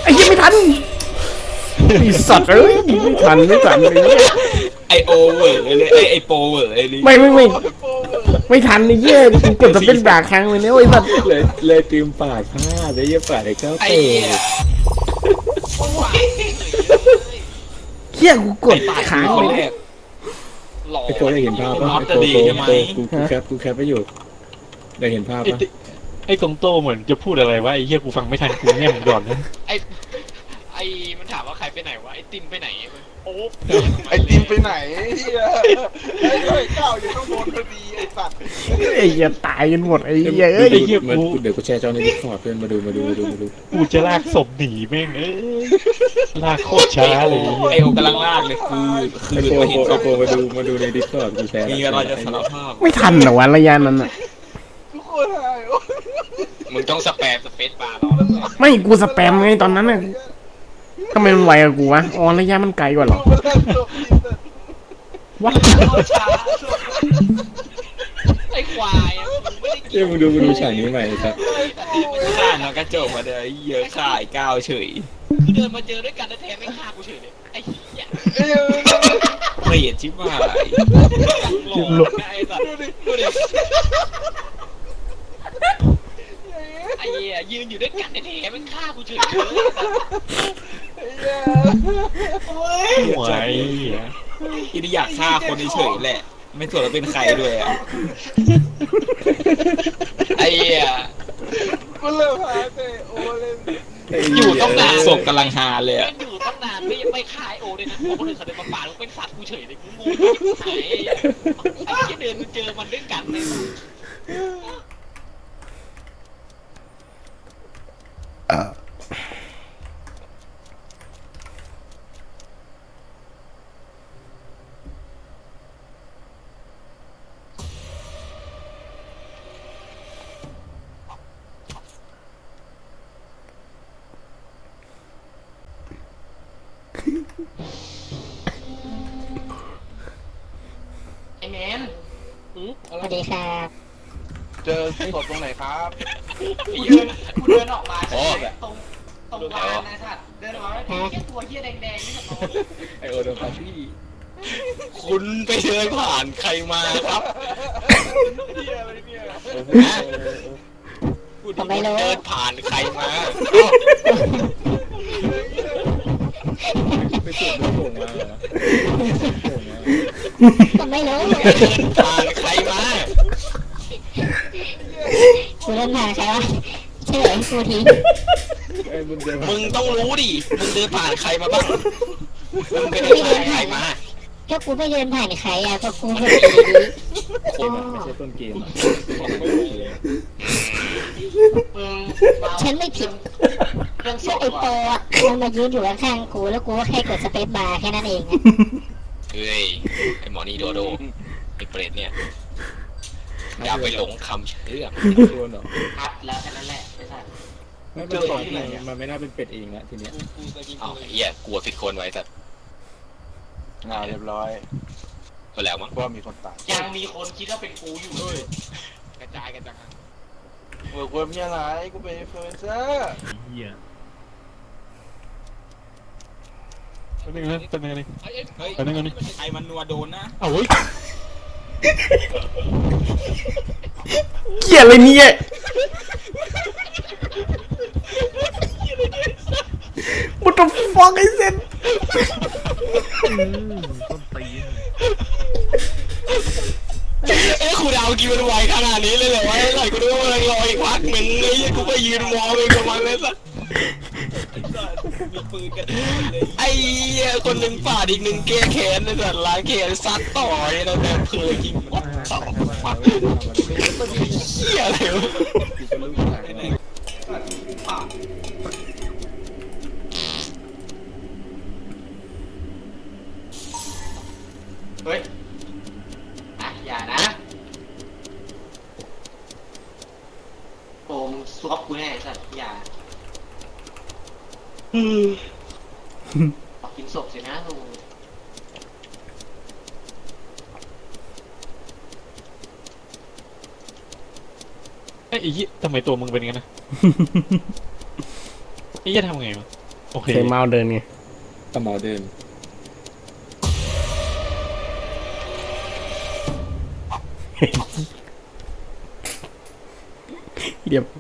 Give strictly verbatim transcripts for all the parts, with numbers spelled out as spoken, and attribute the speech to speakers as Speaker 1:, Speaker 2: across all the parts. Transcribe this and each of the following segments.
Speaker 1: อ้ยังไม่ทันไอ้สัตว์เอ้ยไม่ทันไม่ทันเลย
Speaker 2: ไอโอเวอร์เลยไอไอโปเวอร์ไอนี่
Speaker 1: ไม่ไม่ไม่ไม่ทันไอ้เหี้ยกูกดจะเป็นด่าครั้งเลยเนี่ยไอ้สัตว์
Speaker 3: เลยเลยตีมปาดพลาดเลยยี่ปาดไอ้เก้า
Speaker 2: ไอ
Speaker 3: เตะ
Speaker 1: เหี้ยกูกดค้าง
Speaker 2: คน
Speaker 1: เลย
Speaker 2: แรกหล่อ
Speaker 3: ไอ้โตได้เห็นภาพป่ะ
Speaker 2: น็อต
Speaker 3: ไอ้
Speaker 2: จะ
Speaker 3: โต
Speaker 2: ดี
Speaker 3: โต
Speaker 2: ใช่ไหม
Speaker 3: โตกูกูแคปกูแคปไปอยู่ได้เห็นภาพป่ะ
Speaker 4: ไอ้ตรงโตเหมือนจะพูดอะไรวะไอ้เหี้ยกูฟังไม่ทันกูแง่มก่อนนะ
Speaker 5: ไอไอมันถามว่าใครไปไหนวะไอติมไปไหนโอ้
Speaker 6: ไอติมไปไหนเฮียไอ้ไอ้ก้าวอยู่ข้างบนพอดีไอ้สัตว์
Speaker 1: ไอ้เหี้ยตายกันหมดไอ้เหี้ยเอ้ย
Speaker 4: ไอ้เหี้ย
Speaker 3: เหมือน
Speaker 4: กู
Speaker 3: เดี๋ยวกูแชร์จอในดิสคอร์ดเพื่อนมาดูมาดูมาดูมาดู
Speaker 4: กูจะลากศพหนีแม่งเอ้ยลากโคตรช้าเลย
Speaker 2: ไอโอกำลังลากเลยคือคื
Speaker 3: ไอ้
Speaker 2: อ
Speaker 3: โป
Speaker 2: มา
Speaker 3: โป
Speaker 2: เห็น
Speaker 3: ไอ้โปมาดูมาดูในดิสคอร์ดกูแชร์
Speaker 2: มีอะไรจะสารภาพ
Speaker 1: ไม่ทันเหรอวะระยะนั้นอ่ะ
Speaker 6: ทุกคนหายโอ้
Speaker 5: มึงต้องสแปมสเปซบาร์รอแล้ว
Speaker 1: ไม่กูสแปมไงตอนนั้นน่ะทำไมมันไวกว่ากูวะอ๋อระยะมันไกลกว่าเหรอ
Speaker 6: ดูมันเล่นจบอินเตอร์
Speaker 1: วะ
Speaker 5: ช้าไอควายมึงไม่ได้
Speaker 3: เอ้ยมึงดูมึงดูฉากนี้ใหม่ครับ
Speaker 2: ฆ่าน้องกระจกมาเลยเยอะข่ายก้าวเฉย
Speaker 5: คือเดินมาเจอด้วยกันแล้วแทนไม่ฆ่ากูเฉยเลยไอ้เหี้ย
Speaker 6: เอ้ย
Speaker 2: เกลียดชิบหาย
Speaker 5: หลอกไอ้สัตว์ดูดิดูดิไอ้เหี้ยยืนอยู่ด้วยกันแท้ๆไม่ฆ่ากูเฉยเลย
Speaker 4: หัวไอ้เหี้ย
Speaker 2: ที่อยากฆ่าคนเฉยๆแหละ ไม่สนว่าเป็นใครด้วยอ่ะ
Speaker 5: ไอ้เหี้ย
Speaker 6: กูเริ่มหาแต่โอเล่น
Speaker 2: อยู่ต้องนานศพกำลังฮาเลย
Speaker 5: มั
Speaker 2: อ่ะ
Speaker 5: นอยู่ตั้งนานไม่ไม่ฆ่าไอโอเลยนะพอคนอื่นเขาเดินมาปาดมึงเป็นสัตว์กูเฉยเลยกูงงไอ้เหี้ยไอ้เหี้ยเดินมาเจอมันด้วยกันเลย ไอแมน
Speaker 7: สวัสดีครับ
Speaker 6: เจอศพตรงไหนครับ
Speaker 5: กูเดินกูเดินออกมาใช่ไหมตรงตรงลานนะสัตว์เดินออกมาแล้วแค่ตัวเหี้ยแดงๆนี่กับน้อง
Speaker 3: ไอโอโดนปาร์ตี้
Speaker 2: คุณไปเดินผ่านใครมาครับ
Speaker 6: เฮียอะไรเนี่ย
Speaker 2: คุณเดินผ่านใครมา
Speaker 3: ไปสูบน้ำโป่งมาเหรอ
Speaker 7: ผมไม่รู้
Speaker 2: เดินผ่านใครมา
Speaker 7: กูเล่นผ่านใครวะเฉลยกูที
Speaker 3: ไอ้มึงเดิน
Speaker 2: มึงต้องรู้ดิ มึงเดินผ่านใครมาบ้าง มึงไปเดินผ่านใครมา
Speaker 7: ก็กูไม่เดินผ่านใครอ่ะก็กูไม่
Speaker 3: เกมอะไม่ใช่ต้นเกมอะ
Speaker 5: มึง
Speaker 7: ฉันไม่ผิด
Speaker 5: เรื่องศ
Speaker 7: ก็
Speaker 5: พ
Speaker 7: ไอโปอ่ะมันมายืนอยู่ข้างๆกูแล้วกูก็แค่กดสเปซบาร์แค่นั้นเองอะ
Speaker 5: เฮ้ยไอหมอนี่โดโดไอเปรตเนี่ยอย่าไปหลงคำเชื่อม
Speaker 3: โดนเหรอ
Speaker 5: ครับแล้วแค่นั้นแหละไม่ใช่
Speaker 3: ไม่เป็นไรมันไม่น่าเป็นเป็ดเองละทีเนี้ย
Speaker 5: อ้าวเหี้ยกลัวผิดคนไว้แต่
Speaker 6: งานเรียบร้อย
Speaker 5: ก็แล้วมั้ง
Speaker 6: ว่ามีคนตาย
Speaker 5: ยังมีคนคิดว่าเป็นกูอยู่เลยกระจายกันจัง
Speaker 6: เมื่อกูมีอะไรกูเป็นอินฟลูเอนเซอร์
Speaker 4: เหี้ยเป็นยังไงเป็นยังไง
Speaker 2: เฮ้ย
Speaker 4: ไปนั่งกันดิ
Speaker 2: ใครมันนัวโดนนะ
Speaker 4: เอาเว้ย
Speaker 1: เกลียดอะไรเนี่ย What the fuck is it
Speaker 2: เอ้ครูดาวกินมันไวขนาดนี้เลยเหรอวะไอ้ไหลกูนึกว่ามันรออีกพักหนึ่งไอ้ยี่กูไปยืนมองเลยกับมันเลยสัสมีปืนกันเลยไอ้เหี้ยคนหนึ่งฝ่าดอีกหนึ่งแก้แค้นเลยสัสล้างแค้นซัดต่อเลยนะแบบเพลยิงวัดเสาฟักเหี้ยอะไรวะ
Speaker 3: กูก็รู้ว่าไหน
Speaker 5: เฮ้ยอ่ะอย่านะโอ้มึงซวบกูแน่สัตว์อย่าออกกินศพสินะลุง
Speaker 4: ไอ้เหี้ยทำไมตัวมึงเป็นงั้นนะไอ้เหี้ยทำไงวะโอเค
Speaker 1: เสียงเมาเดินไง
Speaker 3: ตะหมอเดิน
Speaker 1: เดี๋ยว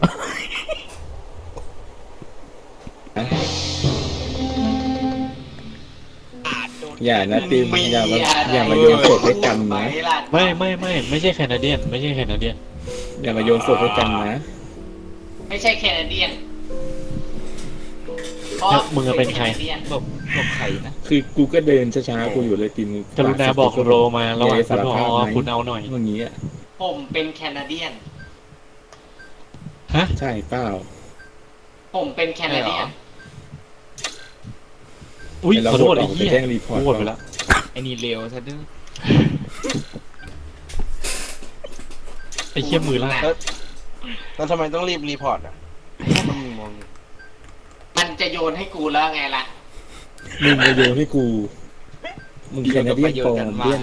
Speaker 3: อย่านะติมอย่ามาอย่ามาโยนศพให้กันนะ
Speaker 4: ไม่ไม่ไม่ไม่ใช่แคนาเดียน ไม่ใช่แคนาเดียน
Speaker 3: อย่ามาโยนศพให้กันนะ
Speaker 5: ไม่ใช่แคนาเดียน
Speaker 4: แล้วมึงอะเป็นใคร
Speaker 2: หลบหลบไข่นะ
Speaker 3: คือกูก็เดินช้าๆกูอยู่เลยติม
Speaker 4: กรุณาบอกโรมาระหว่างคุณพอคุณเอาหน่อย
Speaker 3: เมื่อกี้อ่ะ
Speaker 5: ผมเป็นแคนาเดียน
Speaker 4: ฮะ
Speaker 3: ใช่เปล่า
Speaker 5: ผมเป็นแคนาเดียน
Speaker 4: อุ้ย
Speaker 3: ไอ้เรา
Speaker 4: ขอโทษ
Speaker 3: โหวตอ
Speaker 4: ไอ้
Speaker 3: อกไป
Speaker 4: เหี้ย
Speaker 3: แจ้งรีพอร์ต
Speaker 4: กูโหวตไปแล้ว
Speaker 2: ไอ้นี่เร็วซะด้วย
Speaker 4: ไอ้เหี้ยมือล่าก
Speaker 6: แล้วแล้วทำไมต้องรีบรีพอร์ตอ่ะมันมีมองอยู่
Speaker 5: มันจะโยนให้กูแล้วไงล่ะ
Speaker 3: มึงมาโยนให้กูมึงแคนาเดียนปลอมเดียน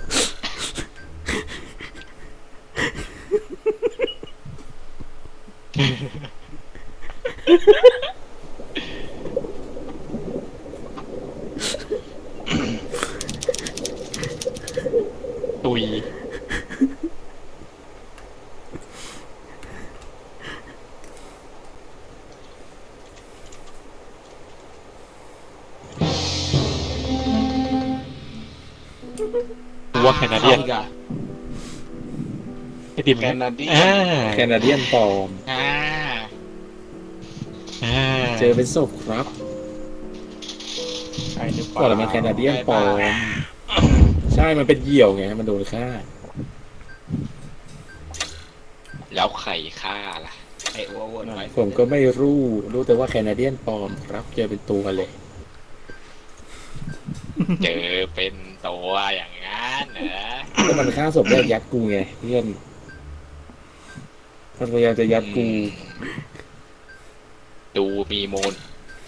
Speaker 4: ตุยกูว่าแคนาเดียนไอติม
Speaker 6: แคนาเดียน
Speaker 4: อ่า
Speaker 3: แคนาเดียนปลอม
Speaker 2: อ่า
Speaker 4: อ่า
Speaker 3: เจอเป็นศพครับ
Speaker 6: ใช่หรือเป
Speaker 3: ก่อน
Speaker 6: ล่า
Speaker 3: มันแคนาเดียนปลอมใช่มันเป็นเหยี่ยวไงมันโดนฆ่า
Speaker 2: แล้วไข่ฆ่าล่ะไอ้โอเวอร์ไว้
Speaker 3: ผมก็ไม่รู้รู้แต่ว่าแคนาเดียนปลอมครับเจอเป็นตัวเลย
Speaker 2: เจอเป็นตัวอย่างนั้นเหรอ
Speaker 3: ก็มันฆ่าศพแรกยัดกูไงเพื่อนมันพยายามจะยัดกู
Speaker 2: ดูมีมูล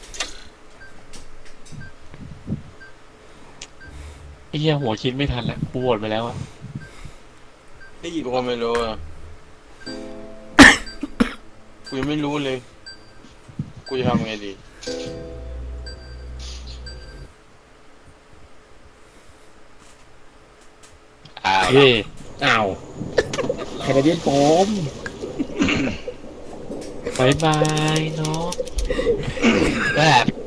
Speaker 4: ไอ้เหี้ยหัวคิดไม่ทันแล้วกูโหวตไปแล้วอะ
Speaker 6: กูก็ไม่รู้อ่ะกูยังไม่รู้เลย กูจะทำไงดี
Speaker 2: อ้าว
Speaker 4: เย่
Speaker 3: อ้าวแคนาเดียนปลอม
Speaker 4: บายบายเนาะ
Speaker 2: แบบ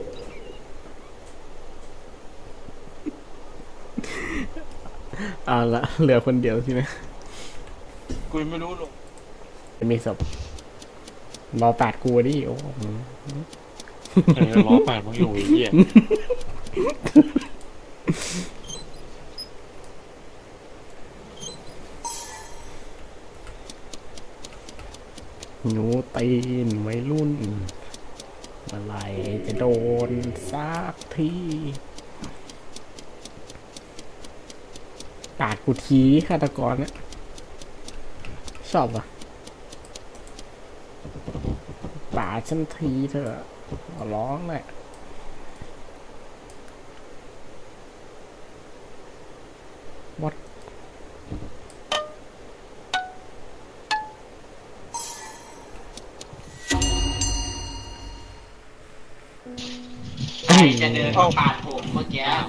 Speaker 1: เอาละเหลือคนเดียวสินะ
Speaker 6: กูยังไม่รู้หรอก
Speaker 1: จะมีศพรอปาดกูดิโอ้โห
Speaker 4: เออล้อปาดมึงอยู่ไอ้เหี้ย
Speaker 1: หนูตีนไว้รุ่นเมื่อไหรจะโดนสักทีปาดกูทีฆาตกรเนี่ยชอบอ่ะปาดฉันทีเถอะขอร้องแหละวัด
Speaker 5: ใครจะเดินมาปาดผมเมื่อกี้
Speaker 6: เอ้า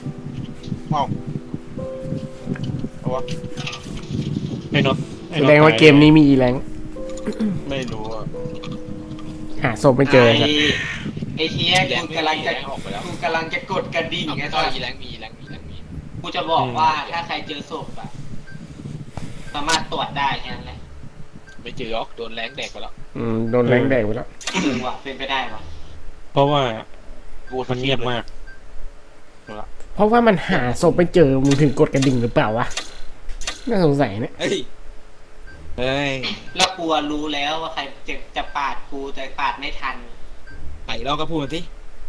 Speaker 6: เอาวะ
Speaker 4: ไอ้น็อตไอ้
Speaker 1: แส
Speaker 4: น็อต
Speaker 1: ดงว่าเกมนี้มีอีแรง
Speaker 6: ไม่รู้อ่ะ
Speaker 1: หาศพไม่เจอ
Speaker 5: ไอ้
Speaker 1: ครับ
Speaker 5: ไอ้เทียกูกำลังจะ
Speaker 2: ออกไปแล้ว
Speaker 5: กูกำลังจะกดกระดิ่งไง
Speaker 2: ต่
Speaker 5: ต
Speaker 2: อ
Speaker 5: อน
Speaker 2: มีแรงมีแรงมีแรงมี
Speaker 5: กูจะบอกว่าถ้าใครเจอศพอะสามารถตรวจได้แค่นั้นแหละ
Speaker 2: ไม่เจอหรอกโดนแรงแดกไปแล้ว
Speaker 1: อืมโดนแรงแดกไปแล้ว
Speaker 5: จริงว่ะเป็นไปได้ปะ
Speaker 4: เพราะว่า
Speaker 6: กู
Speaker 4: มันเงียบมาก
Speaker 1: เพราะว่ามันหาศพไม่เจอมึงถึงกดกระดิ่งหรือเปล่าวะน่าสงสัยเนี่ย
Speaker 2: เฮ้ยเฮ้ย
Speaker 5: แล้วกูอะรู้แล้วว่าใครจะจะปาดกูแต่ปาดไม่ทัน
Speaker 2: ไอ้เราก็พูดมาที่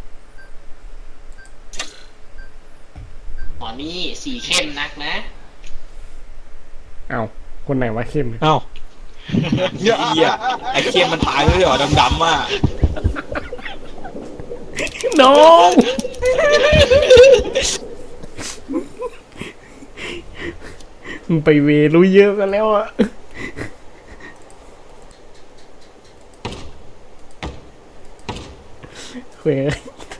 Speaker 5: อ๋อนี่สีเข้มนักนะ
Speaker 1: เอ้าคนไหนวะเข้ม
Speaker 4: เอ้า
Speaker 2: เหี้ยไอ้เคียมมันตายเลยเหรอดำๆอ่ะ
Speaker 1: น้อง มึงไปเวรู้เยอะกันแล้วอะเว้ย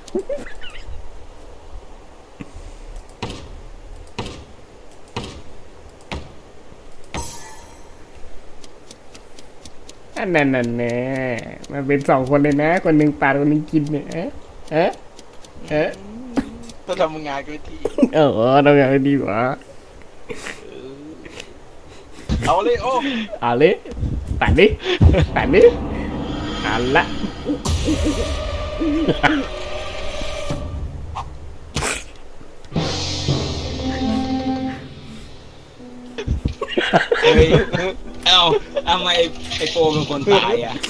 Speaker 1: อันนั้นน่ะแน่มันเป็นสองคนเลยนะ คนหนึ่งปาดคนหนึ่งกินเนี่ยเอ๊ะเอ๊ะเอ๊ะ
Speaker 6: ถ้าทำงานก็ที
Speaker 1: เออทำอย่างดีกว่า
Speaker 6: เอาเลยโอ้
Speaker 1: เอาเลยตัดดิตัดดิเอันละ
Speaker 2: เฮ้ยเอ้าทำไมไอโปเป็นคนตายอ่ะ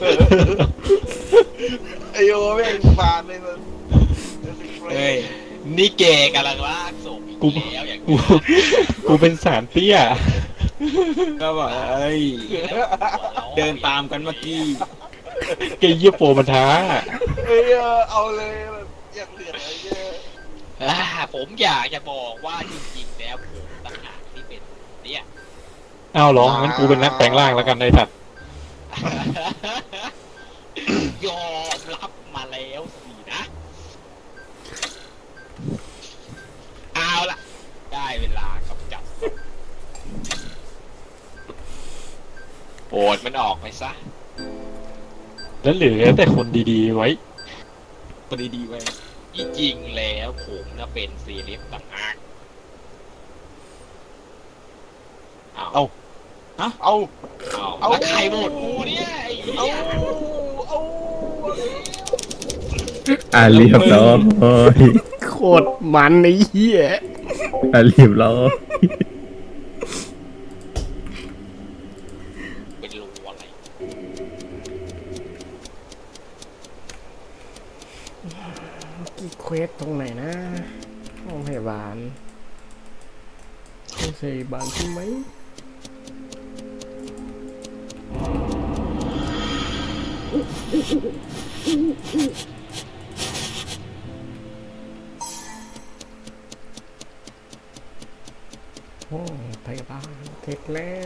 Speaker 6: ไอโอแม่งฟานเลยมัน
Speaker 2: เฮ้ย
Speaker 5: นี่เกกำลังลากศพอีก
Speaker 4: กู
Speaker 5: แล้วอย่าง
Speaker 4: กูกูเป็นสารเตี้ย
Speaker 2: ก็บอกเอ้ย เดินตามกันเมื่อกี้
Speaker 4: ไอ้เยี่ยโปมันท้า
Speaker 6: เอ้ยเอาเลยแบบอยากเหลืออะไรเงี้ย
Speaker 5: อ่าผมอยากจะบอกว่าจริงๆแล้วผมต่างหากที่เป็นเนี่ย
Speaker 4: อ้าวเหรอ งั้นกูเป็นนักแปลงร่างแล้วกันไอ้สัตว์
Speaker 5: ยอมรับมาแล้วสินะ เอาล่ะ ได้เวลากำจัดโอดมันออกไปซะ
Speaker 4: แล้วเหลือแต่คนดีๆไว้
Speaker 2: พอดีๆไว้
Speaker 5: ที่จริงแล้วผมนะเป็นซีเรียสต่างหากเอา
Speaker 6: เอา
Speaker 5: เอา
Speaker 6: เอา
Speaker 5: แล้วใครโหวตกูเนี่ยไอ้เหี้
Speaker 6: เอา
Speaker 5: ย
Speaker 6: เอา
Speaker 8: อ่าเรียบร้อย
Speaker 1: โคตรมันไอ้เหี้ย
Speaker 8: อ่าเรียบร้อย
Speaker 5: เป็นรูอะไร
Speaker 1: กี่เควสตรงไหนนะห้องพยาบาลห้องพยาบาลใช่ไหมห้องพยาบาลเทคแล้ว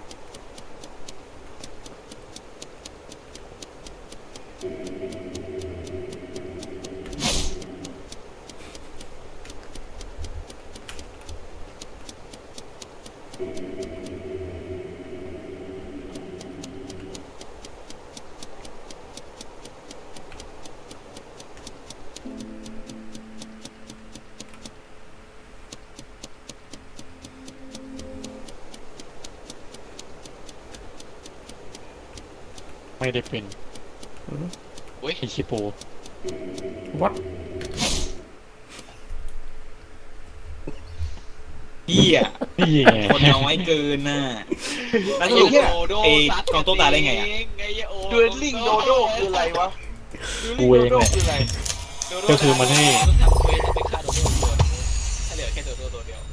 Speaker 4: ไม่ได้เป็น
Speaker 5: อุ้ย
Speaker 4: ไอ้ชิโป
Speaker 1: วัด
Speaker 2: เฮีย
Speaker 4: นี่ไง
Speaker 2: คนน้อยเกินน่ะแล้ว
Speaker 5: ไอ้
Speaker 2: สรุป
Speaker 5: เหี้ยโด
Speaker 2: ไอ้
Speaker 5: ซัด
Speaker 2: กองโต้ตายได้ไงอ่ะ
Speaker 5: ไอ้เหี้ยโอ
Speaker 6: ดูลิงโดโดคืออะไรวะ
Speaker 4: กูเองแหละ
Speaker 6: คืออะไร
Speaker 5: โดโด
Speaker 4: ก็คือมันให้
Speaker 5: ต้องทำเควสต้องไปฆ่าโดโดตัวหนึ่งถ้าเหลือแค่โดโดตัวเดียว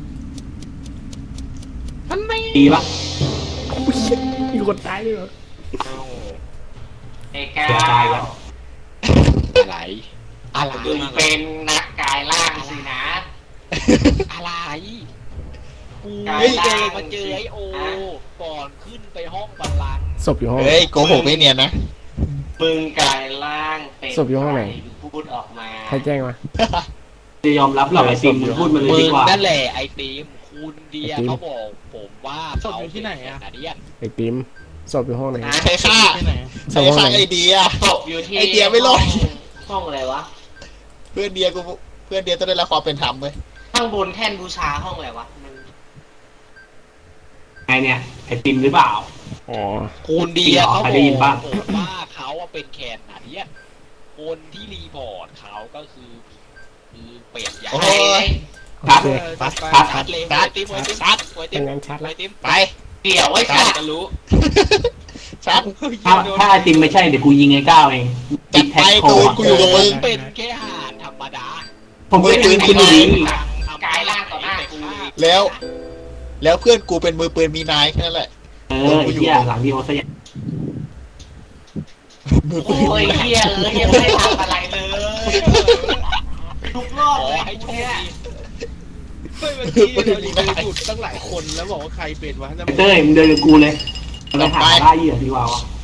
Speaker 9: ดีปะ
Speaker 1: มีคนตายเลยเหรอ
Speaker 9: ไอ้ก้าว
Speaker 5: อะไร อะไร
Speaker 9: มึงเป็นนักกายล่างสินะ
Speaker 5: อะไรกู
Speaker 9: กาย
Speaker 5: เจ
Speaker 9: ล่าง
Speaker 5: อมาเจอไอโอ
Speaker 9: ฮะ
Speaker 5: ก่อนขึ้นไปห้องบัลลังก์
Speaker 1: ศพอยู่ห้อง
Speaker 2: เฮ้ยโกหกไม่เนียนนะ
Speaker 9: มึงกายล่างเป็น
Speaker 1: ศพอยู่ห้องไหน
Speaker 9: พูดออกมา
Speaker 1: ใครแจ้งมา
Speaker 9: จะยอมรับหรอกไอ้ติมมึงพูดมาเลย
Speaker 5: มึ
Speaker 9: ดี
Speaker 5: ง
Speaker 9: กว่า
Speaker 5: นั่นแหละไอติมคุณเดีย
Speaker 1: ไอติม
Speaker 5: เขาบอกผมว่าเขาอยู่ที่ไหนอะนาเดียน
Speaker 1: ไอ้ติมศพอยู่ห้องไหน
Speaker 9: นะ
Speaker 2: ใครฆ่า
Speaker 1: ศพห้องไหน
Speaker 2: ไอเดีย
Speaker 9: ตกอยู่ที่
Speaker 2: ไอเดียไม่รอด
Speaker 9: ห้องอะไรวะ
Speaker 2: เพื่อนเดียกูเพื่อนเดียต้องได้รับความเป็นธรรมเว้ย
Speaker 9: ข้างบนแท่นบูชาห้องอะไรวะมันไงเนี่ยไอติมหรือเปล่า
Speaker 1: อ๋อ
Speaker 5: คุณเดียเขา
Speaker 9: ใคร
Speaker 5: บ
Speaker 9: ได้ยิน
Speaker 5: อก
Speaker 9: บ้าง
Speaker 5: ผมว่าเขาอะเป็นแคนนาเดียนคนที่รีพอร์ตเขาก็คือคือเปลี่ยนยา
Speaker 2: โอ้
Speaker 9: ไอ้
Speaker 2: ย
Speaker 9: ไอ้
Speaker 1: โอ
Speaker 9: ครับ
Speaker 1: เค
Speaker 9: ครับ
Speaker 5: ชัดเลย
Speaker 2: ชัด
Speaker 5: ไอติมไอติม
Speaker 2: ชัด
Speaker 5: ไอติ
Speaker 1: เป็
Speaker 5: ม
Speaker 1: นงานชัด
Speaker 5: ไอ
Speaker 1: ละ
Speaker 5: ติม
Speaker 2: ไป
Speaker 9: เดี๋ยวไอ้
Speaker 2: ชั
Speaker 9: สั
Speaker 2: ด
Speaker 9: ตว์
Speaker 2: จะรู้ ชัด
Speaker 9: ถ้าถ้าไอติมไม่ใช่เดี๋ยวกูยิงไอ้ก้าวเอง
Speaker 2: จัดไป
Speaker 9: โค
Speaker 2: ตูน
Speaker 9: อะ
Speaker 2: กูอยู่กับมึง
Speaker 5: เป็นแค่หานธรรมดา
Speaker 9: ผมเป็น
Speaker 2: ปืน
Speaker 9: คุณ
Speaker 2: คุณ
Speaker 9: ดี
Speaker 2: ดี
Speaker 9: กายล่างต่อหน้ากู
Speaker 2: แล้ว แล้วเพื่อนกูเป็นมือปืนมีนายแค่นั้นแหละ
Speaker 9: เออไอ้เหี้ยหลังดีโอซะอย่าง
Speaker 2: มือปื
Speaker 9: โอ้
Speaker 2: น
Speaker 9: ย
Speaker 2: มีนาย
Speaker 9: เหี้ยเออยังไม่ได้ทำอะไรเลยทุกรอบ
Speaker 5: ขอ
Speaker 9: เลย
Speaker 5: ให้โชคดี
Speaker 2: มือปืนมีนาย
Speaker 6: ตั้งหลายคนแล้วบอกว่าใครเป็นวะ
Speaker 9: เต้ยมึงเดินกับกูเลยไปหาล่าเหยื่อดีกว่าวะ